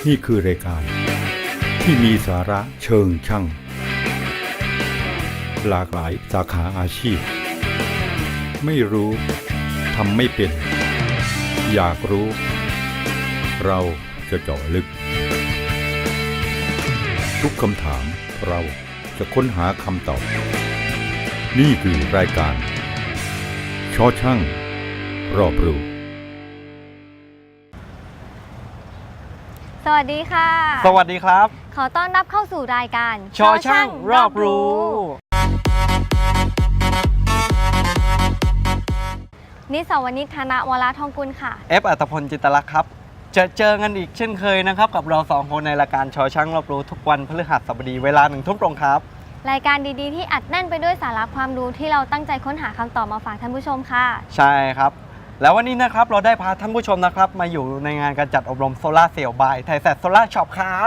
นี่คือรายการที่มีสาระเชิงช่างหลากหลายสาขาอาชีพไม่รู้ทำไม่เป็นอยากรู้เราจะเจาะลึกทุกคำถามเราจะค้นหาคำตอบนี่คือรายการชอช่างรอบรู้สวัสดีค่ะสวัสดีครับขอต้อนรับเข้าสู่รายการชอช่างรอบรู้นิสาวนิช ธนวราทองกุลค่ะอัตพล จิตลักษณ์ครับเจอกันอีกเช่นเคยนะครับกับเราสองคนในรายการชอช่างรอบรู้ทุกวันพฤหัสบดีเวลา 1 ทุ่มตรงครับรายการดีๆที่อัดแน่นไปด้วยสาระความรู้ที่เราตั้งใจค้นหาคำตอบมาฝากท่านผู้ชมค่ะใช่ครับแล้ววันนี้นะครับเราได้พาท่านผู้ชมนะครับมาอยู่ในงานการจัดอบรมโซล่าเซลล์บายไทยแซดโซล่าช็อปครับ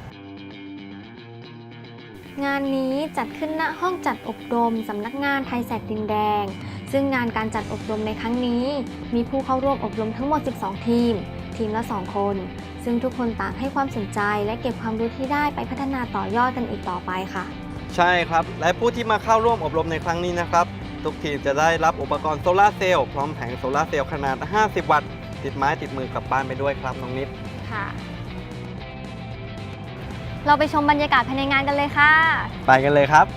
งานนี้จัดขึ้นณห้องจัดอบรมสำนักงานไทยแซดดินแดงซึ่งงานการจัดอบรมในครั้งนี้มีผู้เข้าร่วมอบรมทั้งหมด 12 ทีมละ 2 คนซึ่งทุกคนต่างให้ความสนใจและเก็บความรู้ที่ได้ไปพัฒนาต่อยอดกันอีกต่อไปค่ะใช่ครับและผู้ที่มาเข้าร่วมอบรมในครั้งนี้นะครับทุกทีมจะได้รับอุปกรณ์โซล่าเซลล์พร้อมแผงโซล่าเซลล์ขนาด 50 วัตต์ติดไม้ติดมือกลับบ้านไปด้วยครับน้องนิดค่ะเราไปชมบรรยากาศภายในงานกันเลยค่ะไปกันเลยครับ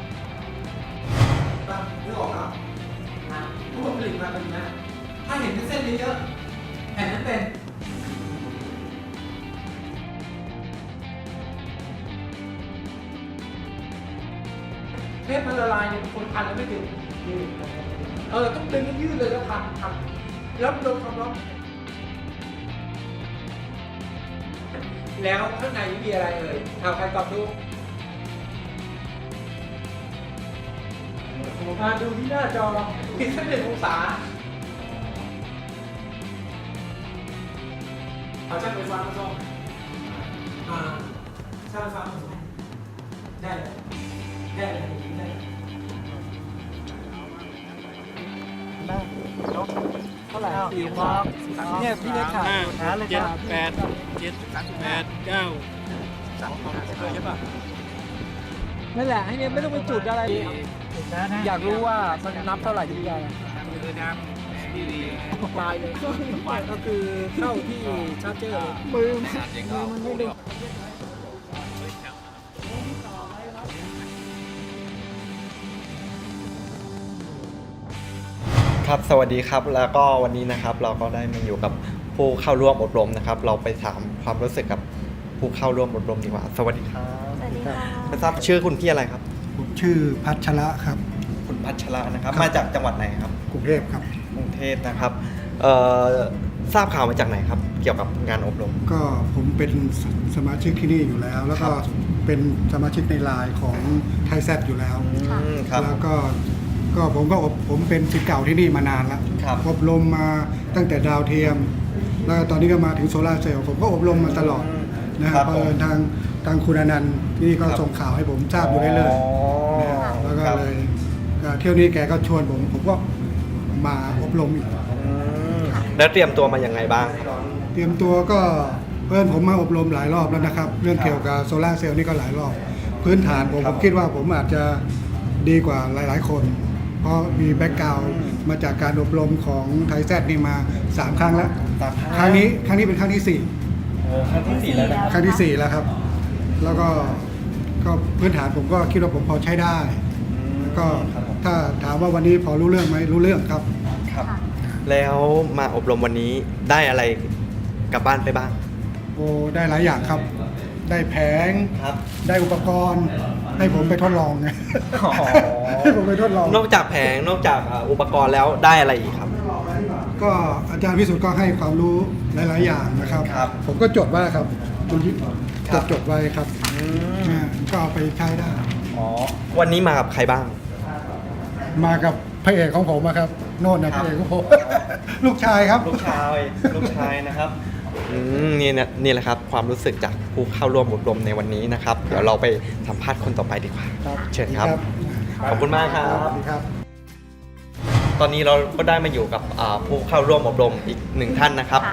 นึกออกครับทุกคนผลิตมาเป็นนะถ้าเห็นเป็นเส้นเยอะๆแผ่นนั้นเป็นเทปมันละลายเนี่ยคนพันแล้วไม่ดึงต้องดึงให้ยืดเลยแล้วพันแล้วโดนความร้อนแล้วข้างในมีอะไรเอ่ยเอาใครตอบดูมาดูที่หน้าจอผิดสัก1 องศาเอาช่างไฟฟ้ามาซ่อมช่างไฟฟ้ามาซ่อมได้เลยได้เท่าไหร่4 ครับเนี่ยพี่เล็กขาดเลยครับ 7 8 9 ใช่ป่ะนั่นแหละให้เนี่ยไม่ต้องไปจุดอะไรอยากรู้ว่ามันนับเท่าไหร่ที่ได้ปลายเลยก็คือเข้าที่ชาร์จเจอร์มือมันไม่ดึงครับสวัสดีครับแล้วก็วันนี้นะครับเราก็ได้มาอยู่กับผู้เข้าร่วมอบรมนะครับเราไปถามความรู้สึกกับผู้เข้าร่วมอบรมดีกว่าสวัสดีครับสวัสดีค่ะไม่ทราบชื่อคุณพี่อะไรครับผมชื่อพัชระครับคุณพัชระนะครับมาจากจังหวัดไหนครับกรุงเทพครับกรุงเทพนะครับทราบข่าวมาจากไหนครับเกี่ยวกับงานอบรมก็ผมเป็นสมาชิกที่นี่อยู่แล้วแล้วก็เป็นสมาชิกในไลน์ของไทยแซดอยู่แล้วแล้วก็ผมเป็นศิษย์เก่าที่นี่มานานแล้วอบรมมาตั้งแต่ดาวเทียมแล้วตอนนี้ก็มาถึงโซลาร์เซลล์ผมก็อบรมมาตลอดนะครับเพราะทางคุณอนันต์ที่นี่ก็ส่งข่าวให้ผมทราบอยู่เรื่อยๆแล้วก็เลยเที่ยวนี้แกก็ชวนผมก็มาอบรมอีกแล้วเตรียมตัวมาอย่างไรบ้างเตรียมตัวก็ผมมาอบรมหลายรอบแล้วนะครับเรื่องเกี่ยวกับโซลาร์เซลล์นี่ก็หลายรอบพื้นฐานผมคิดว่าผมอาจจะดีกว่าหลายๆคนเพราะมีแบ็กกราวด์มาจากการอบรมของไทยแซดนี่มา3 ครั้งแล้วครั้งนี้เป็นครั้งที่4 ครั้งที่4แล้วนะครั้งที่4แล้วครับแล้วก็พื้นฐานผมก็คิดว่าผมพอใช้ได้ก็ถ้าถามว่าวันนี้พอรู้เรื่องไหมรู้เรื่องครับแล้วมาอบรมวันนี้ได้อะไรกลับบ้านไปบ้างโอ้ได้หลายอย่างครับได้แผงได้อุปกรณ์ให้ผมไปทดลองไงให้ผมไปทดลองนอกจากแผงนอกจากอุปกรณ์แล้วได้อะไรอีกครับก็อาจารย์วิสุทธ์ก็ให้ความรู้หลายๆอย่างนะครับผมก็จดไว้ครับจดไว้ครับก็เอาไปใช้ได้วันนี้มากับใครบ้างมากับพระเอกของผมครับโน่นนะพระเอกของผมลูกชายครับลูกชายนะครับนี่แหละครับความรู้สึกจากผู้เข้าร่วมอบรมในวันนี้นะครับเดี๋ยวเราไปสัมภาษณ์คนต่อไปดีกว่าเชิญครับขอบคุณมากครับตอนนี้เราก็ได้มาอยู่กับผู้เข้าร่วมอบรมอีก1 ท่านนะครับ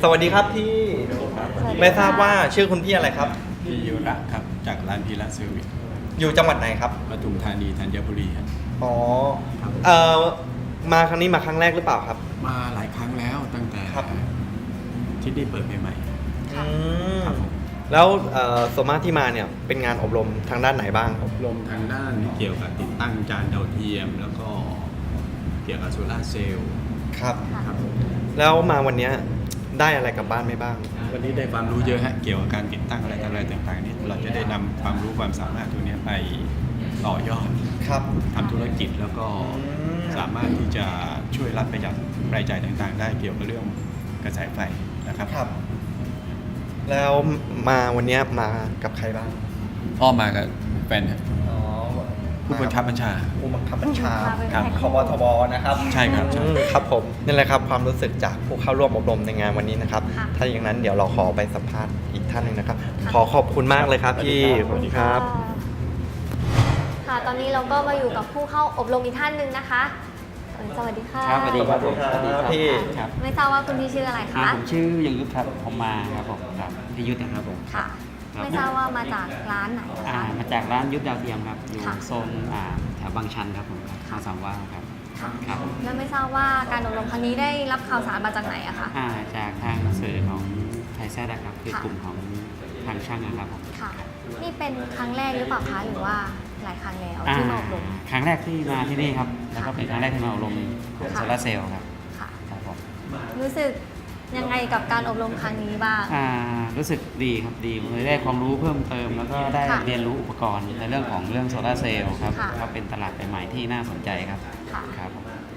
สวัสดีครับพี่ไม่ทราบว่าชื่อคุณพี่อะไรครับพี่ยุระครับจากร้านพีระเซอร์วิสอยู่จังหวัดไหนครับปทุมธานีธัญบุรีครับอ๋อมาครั้งนี้มาครั้งแรกหรือเปล่าครับมาหลายครั้งแล้วตั้งแต่ครับที่นี่เปิดใหม่อืมครับผมแล้วส่วนมากที่มาเนี่ยเป็นงานอบรมทางด้านไหนบ้างครับอบรมทางด้านที่เกี่ยวกับติดตั้งจานดาวเทียม แล้วก็เกี่ยวกับโซลาร์เซลล์ครับครับผมแล้วมาวันเนี้ยได้อะไรกลับบ้านไหมบ้างวันนี้ได้ความรู้เยอะฮะเกี่ยวกับการติดตั้งอะไรต่างๆนี่เราจะได้นำความรู้ความสามารถตรงนี้ไปต่อยอดครับทำธุรกิจแล้วก็สามารถที่จะช่วยรัฐประหยัดรายจ่ายต่างๆ ได้เกี่ยวกับเรื่องกระแสไฟนะครับครับ แล้วมาวันเนี้ยมากับใครบ้างพ่อมากับแฟนครับอ๋อผู้บังคับบัญชาผู้บังคับบัญชาครับคบทบนะครับใช่ครับใช่ครับผมนี่แหละครับความรู้สึกจากผู้เข้าร่วมอบรมในงานวันนี้นะครับค่ะถ้าอย่างนั้นเดี๋ยวเราขอไปสัมภาษณ์อีกท่านหนึ่งนะครับ ขอขอบคุณมากเลยครับพี่สวัสดีครับค่ะ ตอนนี้เราก็มาอยู่กับผู้เข้าอบรมอีกท่านหนึ่งนะคะสวัสดีค่ะครับสวัสดีครับสวัสดีครับพี่ครับไม่ทราบว่าคุณพี่ชื่ออะไรอ่าคะผมชื่อยังยุทธครับผมมาครับผมครับพี่ยุทธนะครับผมค่ะครับไม่ทราบว่ามาจากร้านไหนคะมาจากร้านยุทธดาวเทียมครับอยู่ค่ะโซนแถวบางชันครับผมครับข้าวสามว่าครับค่ะครับผมแล้วไม่ทราบว่าการอบรมครั้งนี้ได้รับข่าวสารมาจากไหนอะคะจากทางสื่อของไทยแซดครับคือค่ะกลุ่มของทางช่างนะครับผมค่ะ นี่เป็นครั้งแรกหรือเปล่าคะหรือว่าหลายครั้งแล้วที่มาอบรมครั้งแรกที่มาที่นี่ครับแล้วก็เป็นครั้งแรกที่มาอบรมของค่ะโซลาร์เซลล์ครับค่ะครับผมรู้สึกยังไงกับการอบรมครั้งนี้บ้างรู้สึกดีครับดีเลยได้ความรู้เพิ่มเติม แล้วก็ได้ค่ะเรียนรู้อุปกรณ์ในเรื่องของเรื่องโซลาร์เซลล์ครับค่ะก็เป็นตลาดใหม่ๆที่น่าสนใจครับค่ะครับผม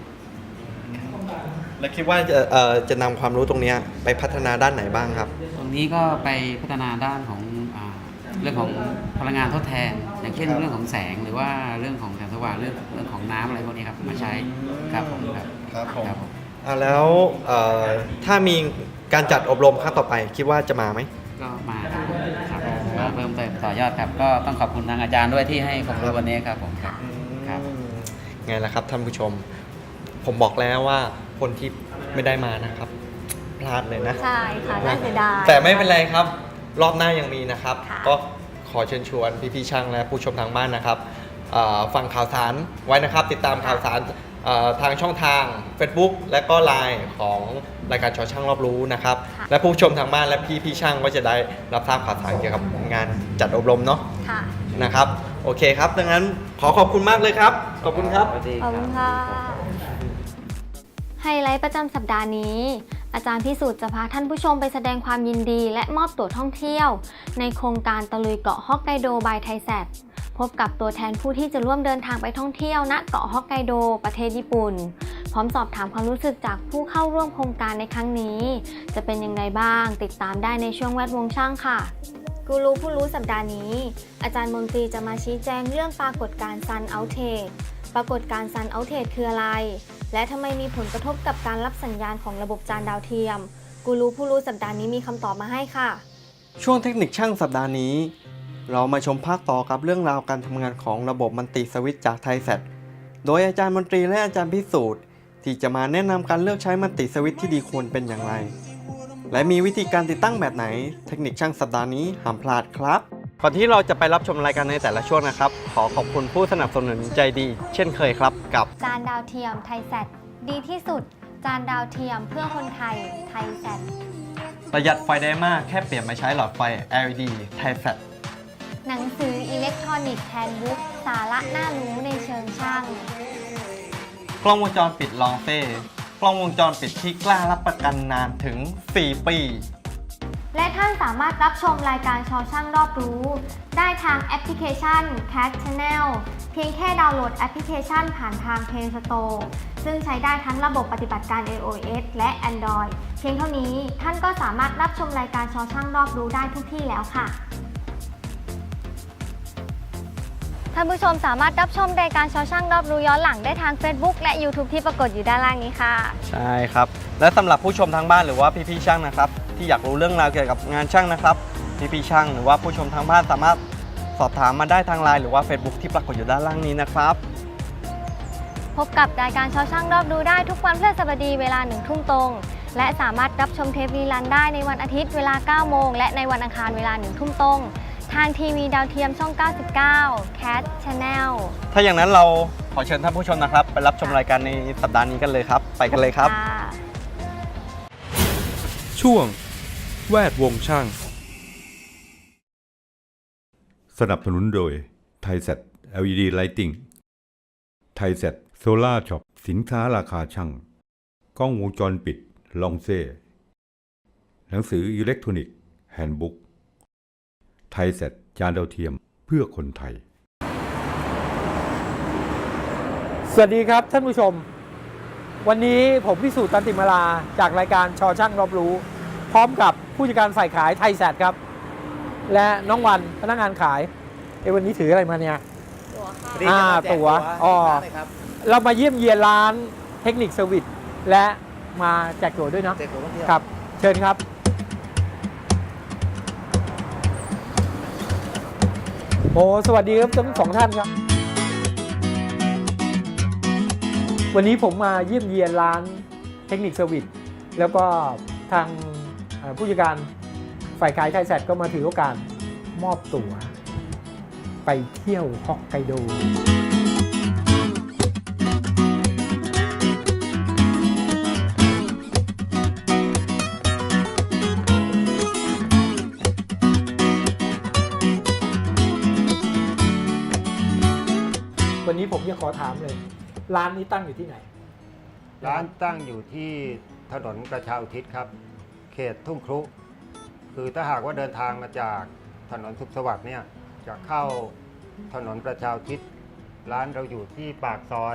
แล้วคิดว่าจะนำความรู้ตรงเนี้ยไปพัฒนาด้านไหนบ้างครับตรงนี้ก็ไปพัฒนาด้านของเรื่องของพลังงานทดแทน อย่างเช่นครับเรื่องของแสงหรือว่าเรื่องของแสงสว่างเรื่องของน้ำอะไรพวกนี้ครับมาใช้ครับผมครับครับผมครับผมแล้วถ้ามีการจัดอบรมครั้งต่อไปคิดว่าจะมาไหมก็มาครับมาเพิ่มเติมต่อยอดครับ ก็ต้องขอบคุณทางอาจารย์ด้วยที่ให้ความรู้วันนี้ครับผมครับครับไงล่ะครับท่านผู้ชม ผมบอกแล้วว่าคนที่ไม่ได้มานะครับ พลาดเลยนะใช่ค่ะน่าเสียดายแต่ไม่เป็นไรครับ รอบหน้ายังมีนะครับค่ะก็ขอเชิญชวนพี่ๆช่างและผู้ชมทางบ้านนะครับฟังข่าวสารไว้นะครับ ติดตามข่าวสารทางช่องทาง Facebook และก็ LINE ของรายการชอช่างรอบรู้นะครับค่ะและผู้ชมทางบ้านและพี่ๆช่างก็จะได้รับทราบข่าวสารเกี่ยวกับงานจัดอบรมเนาะค่ะนะครับโอเคครับดังนั้นขอขอบคุณมากเลยครับขอบคุณครับขอบคุณค่ะ ไฮไลท์ประจำสัปดาห์นี้ อาจารย์พิสูจน์จะพาท่านผู้ชมไปแสดงความยินดีและมอบตั๋วท่องเที่ยว ในโครงการตะลุยเกาะฮอกไกโดบายไทยแซดพบกับตัวแทนผู้ที่จะร่วมเดินทางไปท่องเที่ยวณเกาะฮอกไกโดประเทศญี่ปุ่น พร้อมสอบถามความรู้สึกจากผู้เข้าร่วมโครงการในครั้งนี้ จะเป็นยังไงบ้างติดตามได้ในช่วงแวดวงช่างค่ะ กูรูผู้รู้สัปดาห์นี้ อาจารย์มนตรีจะมาชี้แจงเรื่องปรากฏการณ์ซันเอาท์เทจปรากฏการณ์ซันเอาท์เทจคืออะไร และทำไมมีผลกระทบกับการรับสัญญาณของระบบจานดาวเทียม กูรูผู้รู้สัปดาห์นี้มีคำตอบมาให้ค่ะช่วงเทคนิคช่างสัปดาห์นี้ เรามาชมภาคต่อกับเรื่องราวการทำงานของระบบมัลติสวิตช์จากไทยแซดโดยอาจารย์มนตรีและอาจารย์พิสูจน์ที่จะมาแนะนำการเลือกใช้มัลติสวิตช์ที่ดีควรเป็นอย่างไร และมีวิธีการติดตั้งแบบไหน เทคนิคช่างสัปดาห์นี้ห้ามพลาดครับ ก่อนที่เราจะไปรับชมรายการในแต่ละช่วงนะครับ ขอขอบคุณผู้สนับสนุนใจดี เช่นเคยครับกับจานดาวเทียมไทยแซดดีที่สุด จานดาวเทียมเพื่อคนไทยไทยแซดประหยัดไฟได้มากแค่เปลี่ยนมาใช้หลอดไฟ LED ไทยแซดหนังสืออิเล็กทรอนิกส์แฮนด์บุ๊กสาระน่ารู้ในเชิงช่างกล้องวงจรปิดลองเซ่กล้องวงจรปิดที่กล้ารับประกันนานถึง 4 ปีและท่านสามารถรับชมรายการชอช่างรอบรู้ ได้ทางแอปพลิเคชัน Cat Channel เพียงแค่ดาวน์โหลดแอปพลิเคชันผ่านทาง Play Store ซึ่งใช้ได้ทั้งระบบปฏิบัติการ iOS และ Android เพียงเท่านี้ท่านก็สามารถรับชมรายการชอช่างรอบรู้ได้ทุกที่แล้วค่ะ ท่านผู้ชมสามารถรับชมรายการชอช่างรอบรู้ย้อนหลังได้ทาง Facebook และ YouTube ที่ปรากฏอยู่ด้านล่างนี้ค่ะใช่ครับ และสำหรับผู้ชมทางบ้านหรือว่าพี่ๆช่างนะครับ ที่อยากรู้เรื่องราวเกี่ยวกับงานช่างนะครับพี่ๆช่างหรือว่าผู้ชมทางบ้านสามารถสอบถามมาได้ทางไลน์หรือว่า Facebook ที่ปรากฏอยู่ด้านล่างนี้นะครับพบกับรายการชอช่างรอบรู้ได้ทุกวันพฤหัสบดีเวลา 1 ทุ่มตรงและสามารถรับชมเทปรีลันได้ในวันอาทิตย์เวลา 9 โมง และในวันอังคารเวลา 1 ทุ่มตรง ทางทีวีดาวเทียมช่อง 99 Cat Channel ถ้าอย่างนั้นเราขอเชิญท่านผู้ชมนะครับ ไปรับชมรายการในสัปดาห์นี้กันเลยครับ ไปกันเลยครับค่ะช่วงแวดวงช่างสนับสนุนโดยไทยเซ็ต LED Lighting ไทยเซ็ตโซล่าช็อปสินค้าราคาช่างกล้องวงจรปิดลองเซ่หนังสืออิเล็กทรอนิกส์แฮนด์บุ๊กไทยเซ็ตจานดาวเทียมเพื่อคนไทยสวัสดีครับท่านผู้ชม วันนี้ผมพิสูจน์ตันติมาลาจากรายการชอช่างรอบรู้ พร้อมกับผู้จัดการฝ่ายขายไทยแซดครับ และน้องวันพนักงานขายวันนี้ถืออะไรมาเนี่ยตั๋วอ๋อเรามาเยี่ยมเยียนร้านเทคนิคเซอร์วิสและมาแจกตั๋วด้วยเนาะครับ เชิญครับ โอ้สวัสดีครับทั้งสองท่านครับ วันนี้ผมมาเยี่ยมเยียนร้านเทคนิคเซอร์วิสแล้วก็ทางผู้จัดการฝ่ายขายไทยแซดก็มาถือโอกาสมอบตั๋วไปเที่ยวฮอกไกโดวันนี้ผมจะขอถามเลย ร้านนี้ตั้งอยู่ที่ไหนร้านตั้งอยู่ที่ถนนประชาอุทิศครับ เขตทุ่งครุคือถ้าหากว่าเดินทางมาจากถนนสุขสวัสดิ์เนี่ยจะเข้าถนนประชาอุทิศร้านเราอยู่ที่ปากซอย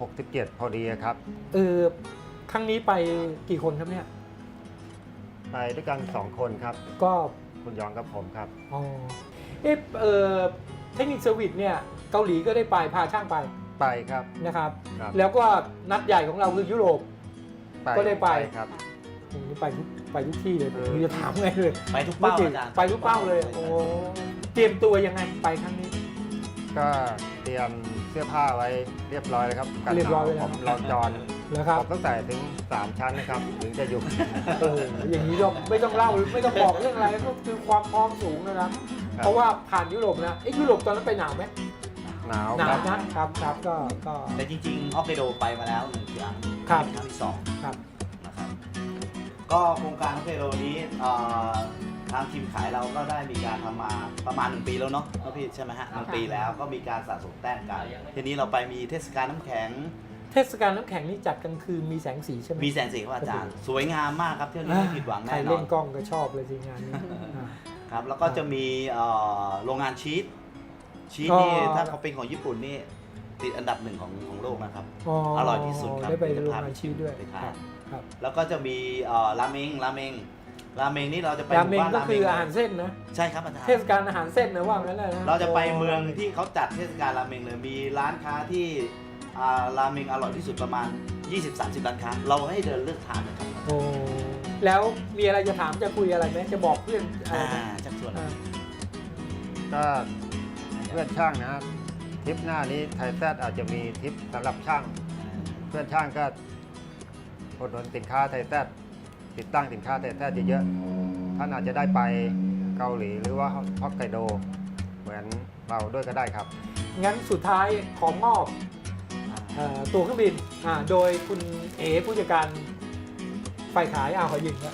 67 พอดีครับครั้งนี้ไปกี่คนครับเนี่ยไปด้วยกัน 2 คนครับก็คุณยองกับผมครับอ๋อเทคนิคเซอร์วิสเนี่ยเกาหลีก็ได้ไปพาช่างไปไปครับนะครับครับแล้วก็นัดใหญ่ของเราคือยุโรป ก็ได้ไปครับโอ้โหไปทุกที่เลยผมจะถามไงเลยไปทุกเป้าไม่อาจารย์ไปทุกเป้าเลยโอ้เตรียมตัวยังไงไปครั้งนี้ก็เตรียมเสื้อผ้าไว้เรียบร้อยแล้วครับกันหนาวเรียบร้อยไว้แล้วผมรอนจอนแล้วครับผมต้องใส่ถึง 3 ชั้นนะครับถึงจะอยู่โอ้โหอย่างนี้ก็ไม่ต้องเล่าไม่ต้องบอกเรื่องอะไรก็คือความพร้อมสูงนะครับ เพราะว่าผ่านยุโรปนะยุโรปตอนนั้นไปหนาวไหมหนาวหนาคว รับนะครับก็แต่จริงๆฮอกไกโดไปมาแล้ว1 ครั้งครับเป็นครั้งที่2 ครับนะครับก็โครงการฮอกไกโดนี้ทางทีมขายเราก็ได้มีการทำมาประมาณ1 ปีแล้วเนาะพี่ใช่ไหมฮะ1 ปีแล้วก็มีการสะสมแต้มกันทีนี้เราไปมีเทศกาลน้ำแข็งเทศกาลน้ำแข็งนี่จัดกลางคืนมีแสงสีใช่ไหมมีแสงสีครับอาจารย์ สวยงามมากครับเที่ยวนี้ไม่ผิดหวังใครแน่นอเล่นนกล้องก็ชอบเลยสิงานนี้ครับแล้วก็จะมีโรงงานชีสนี่ถ้าเขาเป็นของญี่ปุ่นนี่ติดอันดับ1ของโลกนะครับ อร่อยที่สุดครับได้ไปโรงงานชีสด้วยไปทานครับแล้วก็จะมีราเมงนี่เราจะไปราเมงหบ้นก็คืออาหารเส้นนะใช่ครับอาจารย์เทศกาลอาหารเส้นนะว่างั้นเลยนะเราจะไปเมืองที่เขาจัดเทศกาลราเมงเลยมีร้านค้าที่ราเมงอร่อยที่สุดประมาณ 20-30 ร้านค้าเราให้เดินเลือกทานนะครับโอ้แล้วมีอะไรจะถามจะคุยอะไรไหมจะบอกเพื่อนอะไรไหมจากส่วนก็เพื่อนช่างนะครับทริปหน้านี้ไทยแซดอาจจะมีทริปสำหรับช่าง เพื่อนช่างก็อุดหนุนสินค้าไทยแซดติดตั้งสินค้าไทยแซดเยอะๆท่านอาจจะได้ไปเกาหลีหรือว่าฮอกไกโดเหมือนเราด้วยก็ได้ครับงั้นสุดท้ายขอมอบตัวเครื่องบินโดยคุณเอผู้จัดการฝ่ายขายขอยิงครับ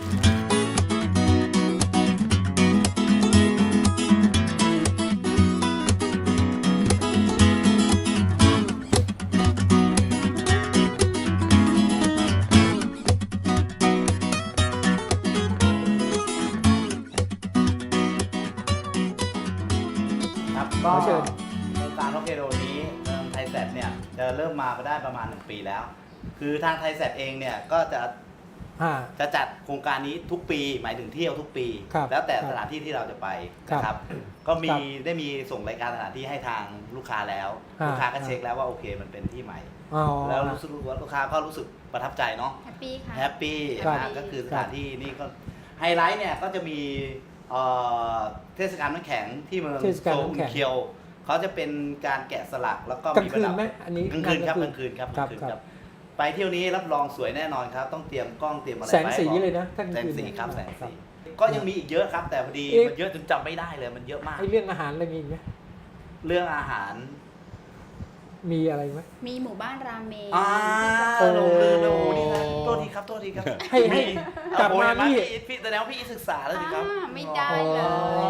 ครับก็โครงการฮอกไกโดนี้ไทยแซดเนี่ยจะเริ่มมาได้ประมาณ1 ปีแล้ว คือทางไทยแซดเองเนี่ยก็จะจัดโครงการนี้ทุกปีหมายถึงเที่ยวทุกปี แล้วแต่สถานที่ที่เราจะไปนะครับก็ได้มีส่งรายการสถานที่ให้ทางลูกค้าแล้วลูกค้าก็เช็คแล้วว่าโอเคมันเป็นที่ใหม่แล้วรู้สึกว่าลูกค้าก็รู้สึกประทับใจเนาะแฮปปี้ค่ะแฮปปี้นะก็คือสถานที่นี่ก็ไฮไลท์เนี่ยก็จะมีเทศกาลน้ำแข็งที่เมืองโซลเคียวเขาจะเป็นการแกะสลักแล้วก็มีประดับกลางคืนไหมอันนี้กลางคืนครับกลางคืนครับไปเที่ยวนี้รับรองสวยแน่นอนครับ ต้องเตรียมกล้องเตรียมอะไรแสงไปสีให้พร้อมเลยนะถ้าแสงคืนสีเนี่ยครับแสงสีก็ยังมีอีกเยอะครับ แต่พอดีเอ๊ะมันเยอะจนจำไม่ได้เลยมันเยอะมากไอ้เรื่องอาหารอะไรมีอีกไหมเรื่องอาหารมีอะไรไหมมีหมู่บ้านราเมงโอ้ลงลืมเลยโอ้โหนี่นะโทษทีครับโทษทีครับให้กลับมาโอ้โหนี่พี่แสดงว่าพี่ศึกษาแล้วสิครับไม่ได้อ๋อเลย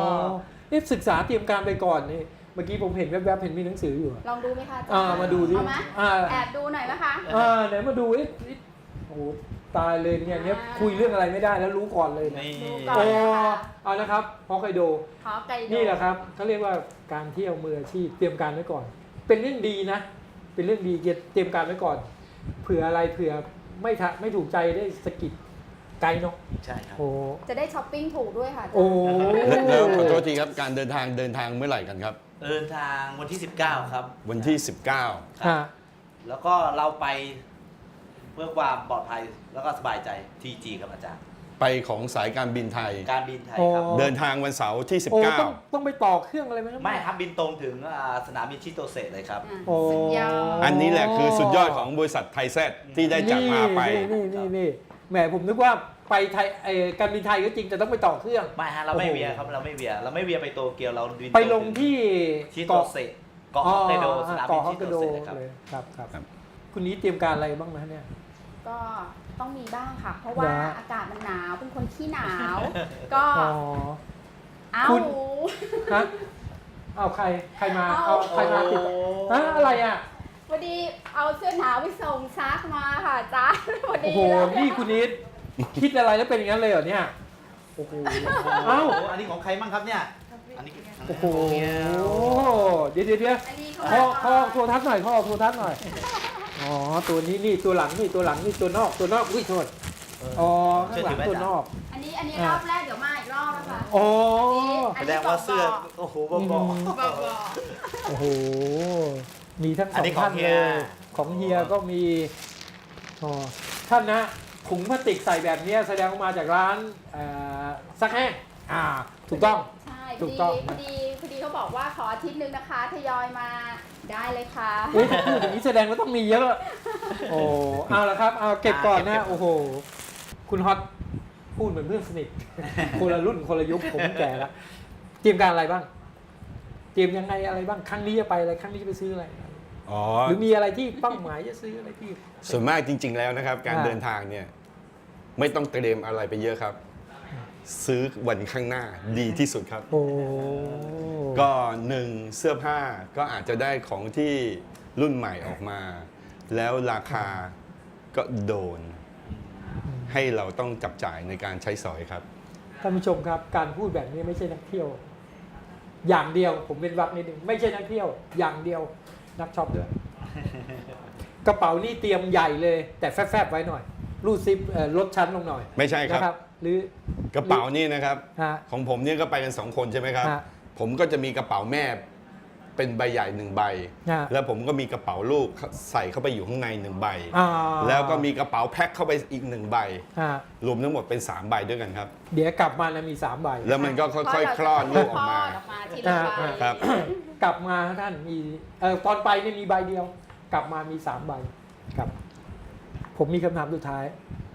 นี่ศึกษาเตรียมการไปก่อนนี่เมื่อกี้ผมเห็นแวบๆเห็นมีหนังสืออยู่อะลองดูไหมคะอาจารย์มาดูดิเอาไหม แอบดูหน่อยไหมคะไหนมาดูโอ้โหตายเลยเนี่ยคุยเรื่องอะไรไม่ได้แล้วรู้ก่อนเลยนะนี่ดูก่อนโอ้นะคะเอานะครับฮอกไกโดขอไกลโดนี่แหละครับเขาเรียกว่าการเที่ยวมืออาชีพเตรียมการไว้ก่อน เป็นเรื่องดีนะ เป็นเรื่องดีเตรียมการไว้ก่อน เผื่ออะไรเผื่อไม่ถูกใจได้สะกิดไกลเนาะใช่ครับโอ้จะได้ช้อปปิ้งถูกด้วยค่ะอาจารย์โอ้แล้วขอโทษทีครับการเดินทางเมื่อไหร่กันครับเดินทางวันที่ 19 ครับวันที่ฮะแล้วก็เราไปเพื่อความปลอดภัยแล้วก็สบายใจ TG ครับอาจารย์ 19 ไปของสายการบินไทยการบินไทยครับเดินทางวันเสาร์ที่โอ้ต้องไปต่อเครื่องอะไรไหมครับไม่ครับบินตรงถึงสนามบินชิโตเซเลยครับโอ้สุดยอดอันนี้แหละคือสุดยอดของบริษัทไทยแซดที่ได้จัดมาไปนี่แหมผมนึกว่าไปไทยการบินไทยก็จริงแต่ต้องไปต่อเครื่องไม่ฮะเราไม่เวียครับเราไม่เวียไปโตเกียวเราบินไปลงที่ชิโตเซเกาะฮอกไกโดสนามบินเกาะฮอชิกไกโตโดเซเลยครับเลยครับครับคุณนี้เตรียมการอะไรบ้างไหมเนี่ยก็ต้องมีบ้างค่ะ เพราะว่านะอากาศมันหนาว เป็นคนขี้หนาว ก็อ๋อเอาคุณ ฮะเอาใครมาเอาใครมาติดฮะอะไรอ่ะพอดีเอาเสื้อหนาวไปส่งซักมาค่ะอาจารย์พอโอ้ดีโหเลยนี่คุณนิดคิดอะไรแล้วเป็นอย่างนั้นเลยเหรอเนี่ยโอ้โหเอ้าอันนี้ของใครบ้างครับเนี่ยอันนี้โอ้โหของเมียเดี๋ยวอันนี้ข้อโทรทัศน์หน่อยข้อโทรทัศน์หน่อยอ๋อตัวนี้นี่ตัวหลังนี่ตัวนอกอุ้ยโทษอ๋อข้างหลังตัวนอกอันนี้รอบแรกเดี๋ยวมาอีกรอบนะคะอ๋อแสดงว่าเสื้อโอ้โหบอกบอกโอ้โหมีทั้งสอัอน งนี้ของท่านเฮีเลย ยของเฮียก็มีอ๋อท่านนะถุงพลาสติกใส่แบบนี้แสดงว่ามาจากร้านซักแห้งถูกต้องใช่ถูกต้องพอดีเขาบอกว่าขออาทิตย์นึงนะคะทยอยมาได้เลยค่ะเฮ้ยถ้าพูดอย่างนี้แสดงว่าต้องมีเยอะ โอ้เอาละครับ เอาเก็บก่อนนะ โอ้โห คุณฮอตพูดเหมือนเพื่อนสนิท คนละรุ่นคนละยุคผมแก่แล้ว เตรียมการอะไรบ้าง เตรียมยังไงอะไรบ้าง ครั้งนี้จะไปอะไร ครั้งนี้จะไปซื้ออะไรอ๋อหรือมีอะไรที่เป้าหมายจะซื้ออะไรที่ส่วนมากจริง ๆ แล้วนะครับ การอ่าเดินทางเนี่ยไม่ต้องเตรียมอะไรไปเยอะครับ ซื้อวันข้างหน้าดีที่สุดครับโอ้ก็หนึ่งเสื้อผ้าก็อาจจะได้ของที่รุ่นใหม่ออกมา แล้วราคาก็โดน ให้เราต้องจับจ่ายในการใช้สอยครับท่านผู้ชมครับ การพูดแบบนี้ไม่ใช่นักเที่ยว อย่างเดียว ผมเป็นวักนิดนึงไม่ใช่นักเที่ยว อย่างเดียว นักช็อปด้วย กระเป๋านี่เตรียมใหญ่เลย แต่แฟบๆไว้หน่อย รูดซิปลดชั้นลงหน่อยไม่ใช่ครับนะครับ หรือกระเป๋านี่นะครับฮะของผมเนี่ยก็ไปกัน2 คนใช่ไหมครับฮะผมก็จะมีกระเป๋าแม่เป็นใบใหญ่1 ใบฮะแล้วผมก็มีกระเป๋าลูกใส่เข้าไปอยู่ข้างใน1 ใบอ่าแล้วก็มีกระเป๋าแพ็คเข้าไปอีก1 ใบฮะรวมทั้งหมดเป็น3 ใบด้วยกันครับเดี๋ยวกลับมานะมี3ใบแล้วมันก็ค่อยๆ คลอดลูกออกมาทีละใบครับกลับมาท่านมีตอนไปเนี่ยมีใบเดียว กลับมามี3 ใบครับ ผมมีคำถามสุดท้าย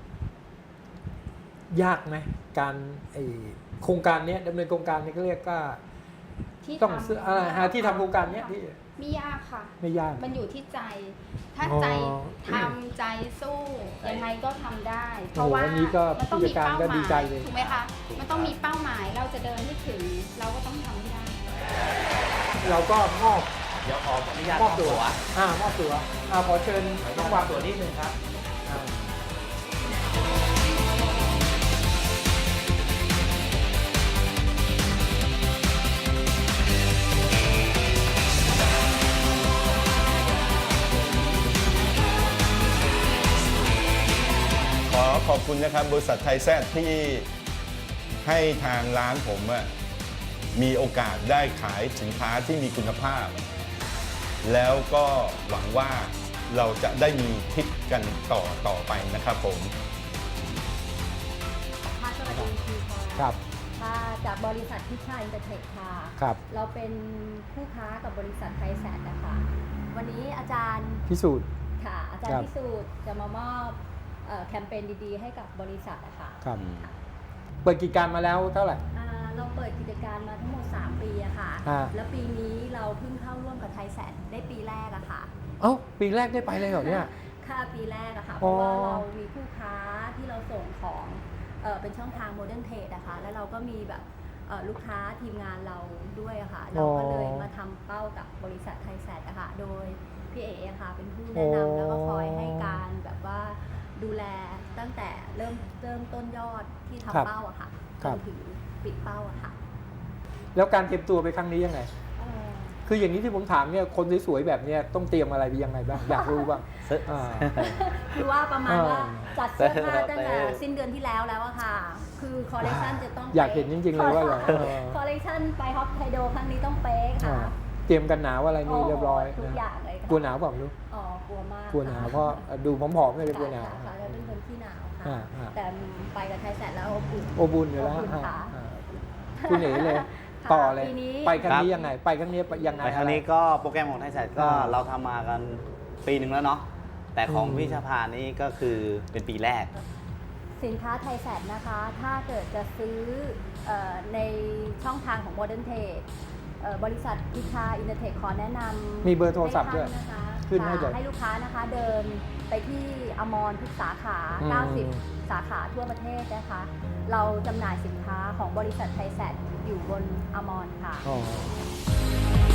ยากไหมการโครงการเนี้ยดำเนินโครงการนี้ก็เรียกว่าที่ต้องทำซื้อหาที่ทำโครงการเนี้ยที่ไม่ยากค่ะไม่ยากมันอยู่ที่ใจ ถ้าอ๋อใจทำใจสู้ยังไงก็ทำได้ เพโอ้ราะโหว่าอันนี้ก็มันต้องมีผู้จัดการเป้าก็หดีมายใจเลยถูกไหมคะ มันต้องมีเป้าหมายเราจะเดินให้ถึง เราก็ต้องทำให้ได้เราก็มอบเดี๋ยวขออนุญาตมอบตัวมอบตัวขอเชิญน้องวางตัวนิดนึงครับอ่าขอขอบคุณนะครับบริษัทไทยแซดที่ให้ทางร้านผมอะมีโอกาสได้ขายสินค้าที่มีคุณภาพ แล้วก็หวังว่าเราจะได้มีทริปกันต่อไปนะครับผมค่ะสวัสดีค่ะครับค่ะจากบริษัทพิชัยอินเตอร์เทคค่ะครับเราเป็นคู่ค้ากับบริษัทไทยแสนนะคะ วันนี้อาจารย์พิสูจน์ค่ะอาจารย์พิสูจน์จะมามอบแคมเปญดีๆให้กับบริษัทอะค่ะครับเปิดกิจการมาแล้วเท่าไหร่เราเปิดกิจการมาทั้งหมด 3 ปีอะค่ะ แล้วปีนี้เราเพิ่งเข้าร่วมกับไทยแซดได้ปีแรกอะค่ะเอ้าปีแรกได้ไปเลยเหรอเนี่ยค่ะปีแรกอะค่ะ เพราะว่าเรามีผู้ค้าที่เราส่งของเป็นช่องทางโมเดิร์นเทรดอะค่ะ แล้วเราก็มีแบบลูกค้าทีมงานเราด้วยอะค่ะ เราก็เลยมาทำเป้ากับบริษัทไทยแซดอะค่ะ โดยพี่เอ๋อะค่ะเป็นผู้แนะนำแล้วก็คอยให้การแบบว่าดูแลตั้งแต่เริ่มต้นยอดที่ทำเป้าอะค่ะจนถึงปิดเป้าอะค่ะแล้วการเตรียมตัวไปครั้งนี้ยังไง คืออย่างนี้ที่ผมถามเนี่ยคนสวยๆแบบเนี้ยต้องเตรียมอะไรไปยังไงบ้าง อยากรู้บ้างคือว่าประมาณว่าจัดเสื้อผ้าตั้งแต่สิ้นเดือนที่แล้วอะค่ะ คือคอลเลคชันจะต้องอยากเห็นจริงๆเลยว่าเหรอคอลเลคชันไปฮอกไกโดครั้งนี้ต้องเป๊ะค่ะเตรียมกันหนาวอะไรนี่เรียบร้อยทุกอย่างเลยค่ะกลัวหนาวเปล่าไม่รู้กลัวมากกลัวหนาวเพราะดูผอมๆเลยกลัวหนาวค่ะแล้วเป็นคนที่หนาวอ่าค่ะแต่ไปกับไทยแสนแล้วอบอุ่นอบอุ่นอยู่แล้วอบอุ่นค่ะคุณเอ๋เลย ต่อเลยปีนี้ไปครั้งนี้ยังไง ไปครั้งนี้ยังไงไปครั้งนี้ก็โปรแกรมของไทยแซดก็เราทำมากันปีหนึ่งแล้วเนาะแต่ของพี่ชาพานี่ก็คือเป็นปีแรกสินค้าไทยแสดนะคะ ถ้าเกิดจะซื้อในช่องทางของ Modern Trade บริษัทพิชาอินเตอร์เทคขอแนะนำมีเบอร์โทรศัพท์ด้วยให้ท่านนะคะขึ้นให้เลยให้ลูกค้านะคะเดินไปที่อมรทุกสาขา 90 สาขาทั่วประเทศนะคะ เราจำหน่ายสินค้าของบริษัทไทยแสดอยู่บนอมรค่ะ